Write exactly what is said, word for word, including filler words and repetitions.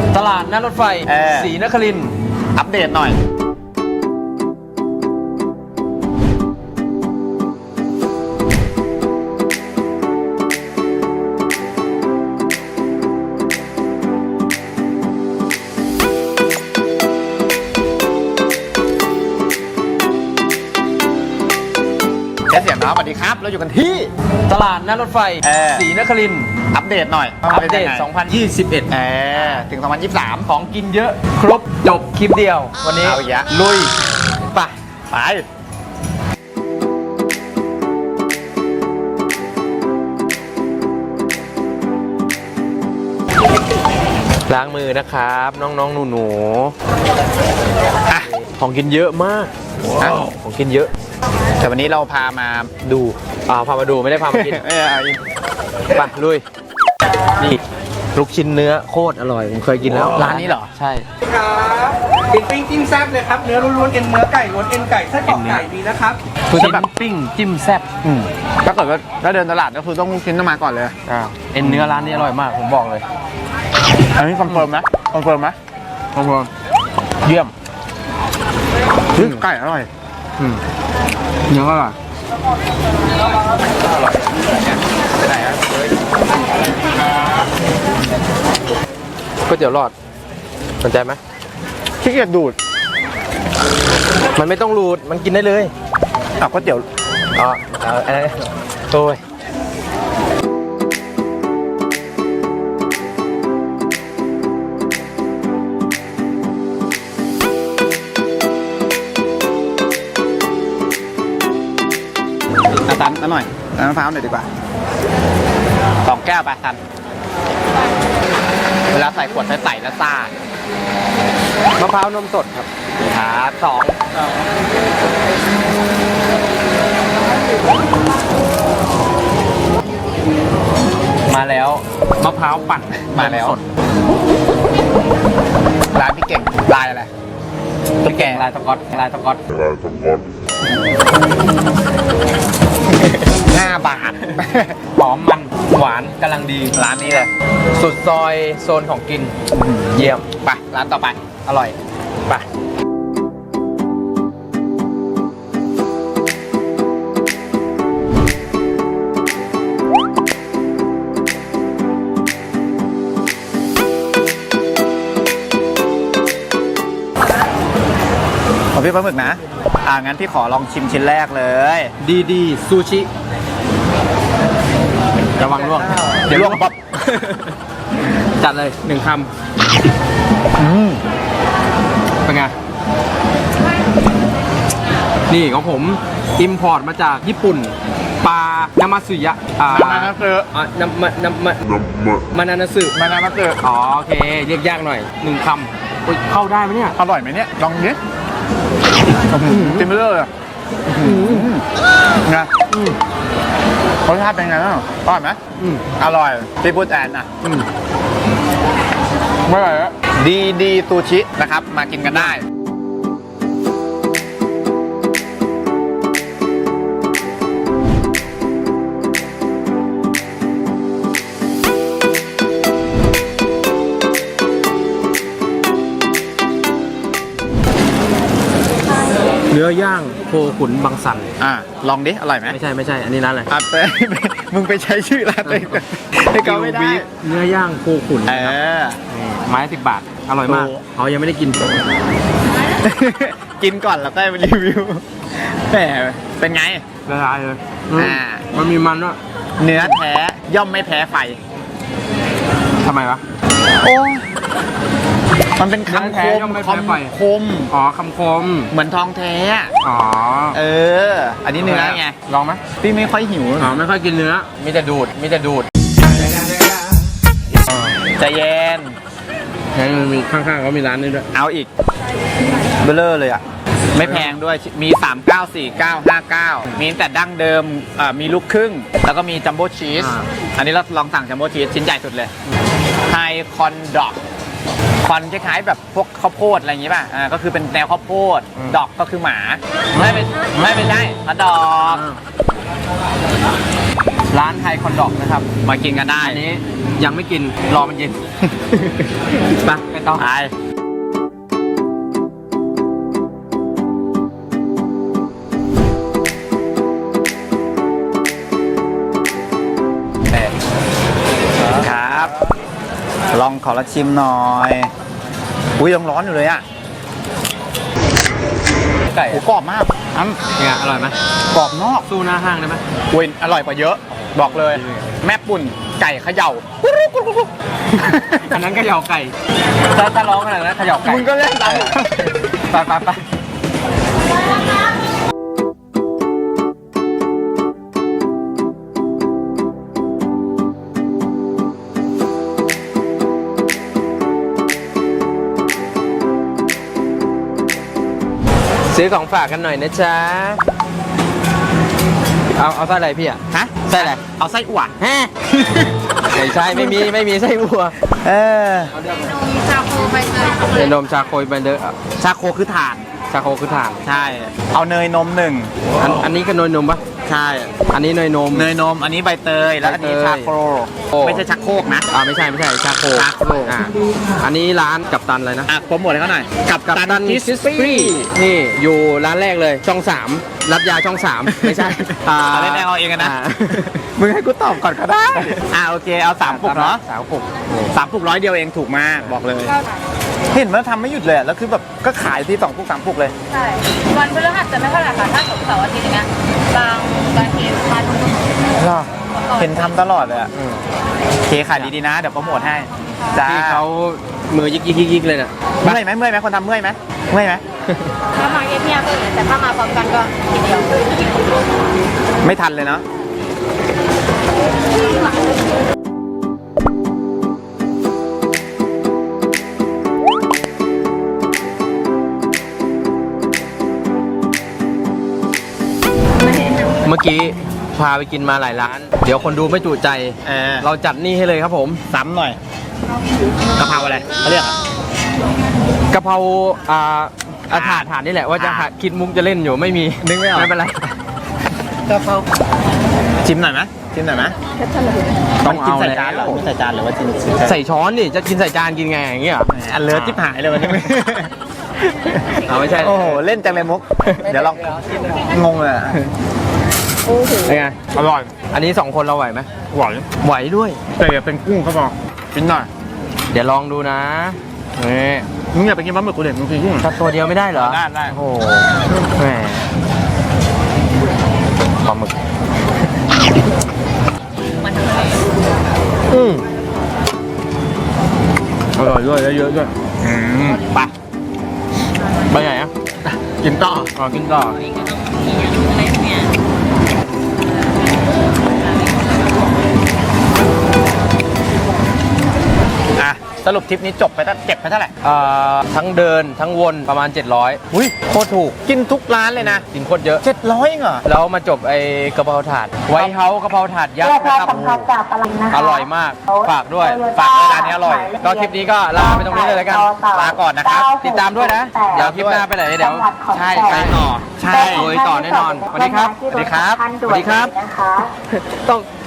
ตลาดหน้ารถไฟศรีนครินทร์อัปเดตหน่อยแค่เสียงน้องสวัสดีครับเราอยู่กันที่ตลาดหน้ารถไฟศรีนครินทร์อัปเดตหน่อยอัปเดตสองพันยี่สิบเอ็ดเออถึงสองพันยี่สิบสามของกินเยอะครบจบคลิปเดียววันนี้เอาอีกแล้วลุยไปไปล้างมือนะครับน้องๆหนูๆของกินเยอะมากของกินเยอะแต่วันนี้เราพามาดูอ่าพามาดูไม่ได้พามากินไปลุยนี่ลูกชิ้นเนื้อโคตรอร่อยผมเคยกินแล้วร้านนี้เหรอใช่ครับเป็นปิ้งจิ้มแซ่บเลยครับเนื้อล้วนๆเอ็นเนื้อไก่ล้วนเอ็นไก่ไส้กรอกไก่มีนะครับคือแบบปิ้งจิ้มแซ่บถ้าเกิดว่าถ้าเดินตลาดก็คือต้องลูกชิ้นต้องมาก่อนเลยอ่าเอ็นเนื้อร้านนี้อร่อยมากผมบอกเลยอันนี้คอนเฟิร์มไหมคอนเฟิร์มไหมคอนเฟิร์มเยี่ยมไก่อร่อยเนื้ออร่อยก๋วยเตี๋ยวหลอดสนใจไหมขี้เกียจดูดมันไม่ต้องรูดมันกินได้เลยอ่ะก๋วยเตี๋ยวอ๋ออะไรโอ้ยตันหน่อยน้ำมะพร้าวหน่อยดีกว่าสองแก้วไปทันเวลาใส่ขวดใส่แล้วซ่ามะพร้าวนมสดครับครับสองมาแล้วมะพร้าวปั่นมาแล้วร้านพี่เก่งลายอะไรพี่เก่งลายสก๊อตลายสก๊อตลายสก๊อตห้าบาทหอมมันหวานกำลังดีร้านนี้เลยสุดซอยโซนของกินเยี่ยมไปร้านต่อไปอร่อยไปของพี่ปลาหมึกนะอ่างั้นพี่ขอลองชิมชิ้นแรกเลยดีดีซูชิระวังล่วงเดี๋ยวล่วงป๊อปจัดเลยหนึ่งคำเป็นไงนี่ของผมอิมพอร์ตมาจากญี่ปุ่นปลานามาสึยะอ่ามานาสึอ่านามานามามานานาสึมานามาสึอ๋อโอเคเรียกยากหน่อยหนึ่งคำเข้าได้ไหมเนี่ยอร่อยไหมเนี่ยลองดิจิ้มไปเลยนะรสชาติเป็นไงบ้างอร่อยไหมอร่อยพี่พูดแอนอ่ะไม่อร่อยแล้วดีดีซูชินะครับมากินกันได้เนื้อย่างโคขุนบางสันอ่าลองดิอร่อยไหมไม่ใช่ไม่ใช่อันนี้ร้านอะไรอ่ะไปมึงไปใช้ชื่อร้านเลยให้เขาไม่ได้เนื้อย่างโคขุนเออไม้สิบบาทอร่อยมากเขายังไม่ได้กินกินก่อนแล้วก็ไปรีวิวแหมเป็นไงละลายเลยอ่ามันมีมันด้วยเนื้อแท้ย่อมไม่แพ้ไฟทำไมวะโอ้มันเป็นคำคมคำคมอ๋อคำคมเหมือนทองแท้อ๋อเอออันนี้เนื้อไงลองไหมพี่ไม่ค่อยหิวอ๋อไม่ค่อยกินเนื้อมีแต่ดูดมีแต่ดูดใจเย็นใช่มีข้างๆเขามีร้านนี้ด้วยเอาอีกเบลเลอร์เลยอ่ะไม่แพงด้วยมีสาม เก้า สี่ เก้า ห้า เก้ามีแต่ดั้งเดิมมีลูกครึ่งแล้วก็มีจัมโบ้ชีสอันนี้เราลองสั่งจัมโบ้ชีสชิ้นใหญ่สุดเลยไฮคอนดอกคอนคล้ายๆแบบพวกข้าวโพดอะไรอย่างงี้ป่ะอ่าก็คือเป็นแนวข้าวโพดดอกก็คือหมาไม่เป็นไม่เป็นได้ฮอทดอกร้านไทยคอนดอกนะครับมากินกันได้อันนี้ยังไม่กิน รอมันเย็น ไปไปต่อไปครับ ลองขอละชิมหน่อย อุ้ยยังร้อนอยู่เลยอ่ะไก่โอ้กรอบมากอ้ำเนี่ยอร่อยไหมกรอบนอกสู้หน้าห้างได้ไหมอุ้ยอร่อยกว่าเยอะ บอกเลย แม่ปุ่นไก่เขย่าอันนั้นก็เหยาไก่ถ้าถ้าร้องขนาดนั้นเขย่าไก่มึงก็เล่นตามไปไปไปซื้อของฝากกันหน่อยนะจ๊ะ เอาเอาไส้อะไรพี่อ่ะฮะไส้อะไรเอาไส้อั่วฮะ ไม่ใช่ไม่มีไม่มีไส้วัวเออชาโคใบเตยเป็นนมชาโคยไปเดอร์ชาโคคือถ่านชาโคคือถ่านใช่ เอาเนยนมหนึ่งอันอันนี้ก็เนยนมปะใช่อันนี้เนยนมเนยนม อันนี้ใบเตย แล้วอันนี้ใบเตยชาโครโอ้ไม่ใช่ชักโครกนะอ่าไม่ใช่ไม่ใช่ชาโคชาโคอ่าอันนี้ร้านกัปตันอะไรนะอ่ะโปรโมทให้เขาหน่อย กับกัปตันกิสกิสปี้ปี้นี่อยู่ร้านแรกเลยช่องสามรับยาช่องสามไม่ใช่อ่าเล่นเอาเองกันนะามึงให้กูตอบก่อนก็ได้ อ่ะโอเค เอาสามปุกเนาะสามปุกสามปุกร้อยเดียวเองถูกมาก บอกเลย เห็นมันทำไม่หยุดเลยอะแล้วคือแบบก็ขายที่สองปุกสามปุกเลยใช่ วันพฤหัสจะไม่เท่าไหร่ค่ะ ถ้าศุกร์เสาร์อาทิตย์อย่างเงี้ย บางบางทีมาทุกคนเห็นทำตลอดเลยอะอืมโอเคขายดีๆนะ เดี๋ยวโปรโมทให้ จ้าที่เขามือยิกยิกยิกยิกเลยน่ะเมื่อยไหมเมื่อยไหมคนทำเมื่อยไหมเมื่อยไหมถ้ามาเงียบๆก็อย่างแต่ถ้ามาพร้อมกันก็ทีเดียวไม่ทันเลยเนาะเมื่อกี้พาไปกินมาหลายร้าน เดี๋ยวคนดูไม่จุใจเออเราจัดนี่ให้เลยครับผมซ้ำหน่อยกะเพราอะไรเขาเรียกอะกะเพราอ่าอาถาดถาดนี่แหละว่าจะหาคิดมุกจะเล่นอยู่ไม่มีนึกไม่ออกไม่เป็นไรกะเพราชิมหน่อยไหมชิมหน่อยไหมต้องกินเอาใส่แล้วจานเหรอไม่ใส่จานหรือว่ากินใส่ช้อนดิจะกินใส่จานกินไงอย่างเงี้ยอันเลิศที่หายเลยวันนี้เอาไม่ใช่โอ้โหเล่นจังเลยมุก เดี๋ยวลองงงเลยอะเป็นไงอร่อยอันนี้สองคนเราไหวไหมหวานไหวด้วยแต่อย่าเป็นกุ้งเขาบอกกินหน่อยเดี๋ยวลองดูนะนี่มึงอย่าไปกินปลาหมึกกูเด็ดมึงกินกุ้งถ้าตัวเดียวไม่ได้เหรอได้ได้โอ้โหแหมปลาหมึกอืมอร่อยด้วยเยอะๆด้วยอืมไปไปไหนอ่ะกินต่ออ๋อกินต่ออ่ะสรุปทริปนี้จบไปตั้งเจ็บไปเท่าไหร่เอ่อทั้งเดินทั้งวนประมาณเจ็ดร้อยอุ้ยโคตรถูกกินทุกร้านเลยนะกินโคตรเยอะเจ็ดร้อยเหรอแล้วมาจบไอ้กะเพราถาด ไวท์เฮาส์กะเพราถาดยักษ์นะครับอร่อยมาก ฝากด้วยฝากด้วยร้านนี้อร่อยก็คลิปนี้ก็ลาไปตรงนี้เลยแล้วกันลาก่อนนะครับติดตามด้วยนะ เดี๋ยวคลิปหน้าไปไหนเดี๋ยวใช่ไปต่อใช่โดยต่อแน่นอนสวัสดีครับสวัสดีครับสวัสดีครับ ต้อง